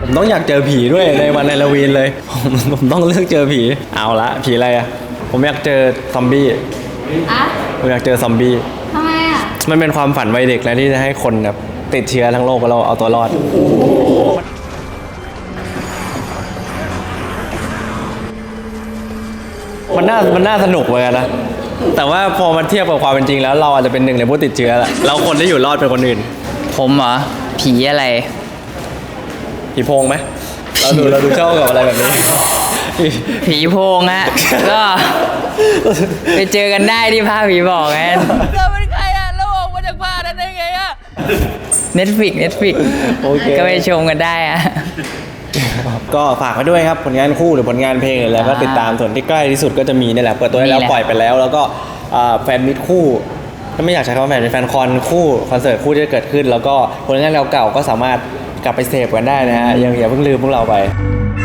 ผมต้องอยากเจอผีด้วยในวันฮาโลวีนเลยผมต้องเลือกเจอผีเอาละผีอะไรอะผมอยากเจอซอมบี้ผมอยากเจอซอมบี้ทำไมอ่ะมันเป็นความฝันวัยเด็กนะที่จะให้คนแบบติดเชื้อทั้งโลกแล้วเราเอาตัวรอดมันน่าสนุกเหมือนกันนะแต่ว่าพอมันเทียบกับความเป็นจริงแล้วเราอาจจะเป็นหนึ่งในผู้ติดเชื้อแหละแล้วคนที่อยู่รอดเป็นคนอื่นผมเหรอผีอะไรผีโพงไหมเราดูชอบกับอะไรแบบนี้ผีโพงฮะ ก็ไปเจอกันได้ที่ผ้าผีบอกไงเราเป็นใครอ่ะเราออกมาจากผ้านั้นได้ไงอ่ะ Netflix โอเคก็ไปชมกันได้อ่ะก็ฝากไว้ด้วยครับผลงานคู่หรือผลงานเพลงอะไรก็ติดตามส่วนที่ใกล้ที่สุดก็จะมีนี่แหละเปิดตัวได้แล้วปล่อยไปแล้วแล้วก็แฟนมิตคู่ถ้าไม่อยากใช้คำว่าแฟนเป็นแฟนคอนคู่คอนเสิร์ตคู่ที่จะเกิดขึ้นแล้วก็ผลงานเก่าๆก็สามารถกลับไปเสพกันได้นะฮะอย่าเพิ่งลืมพวกเราไป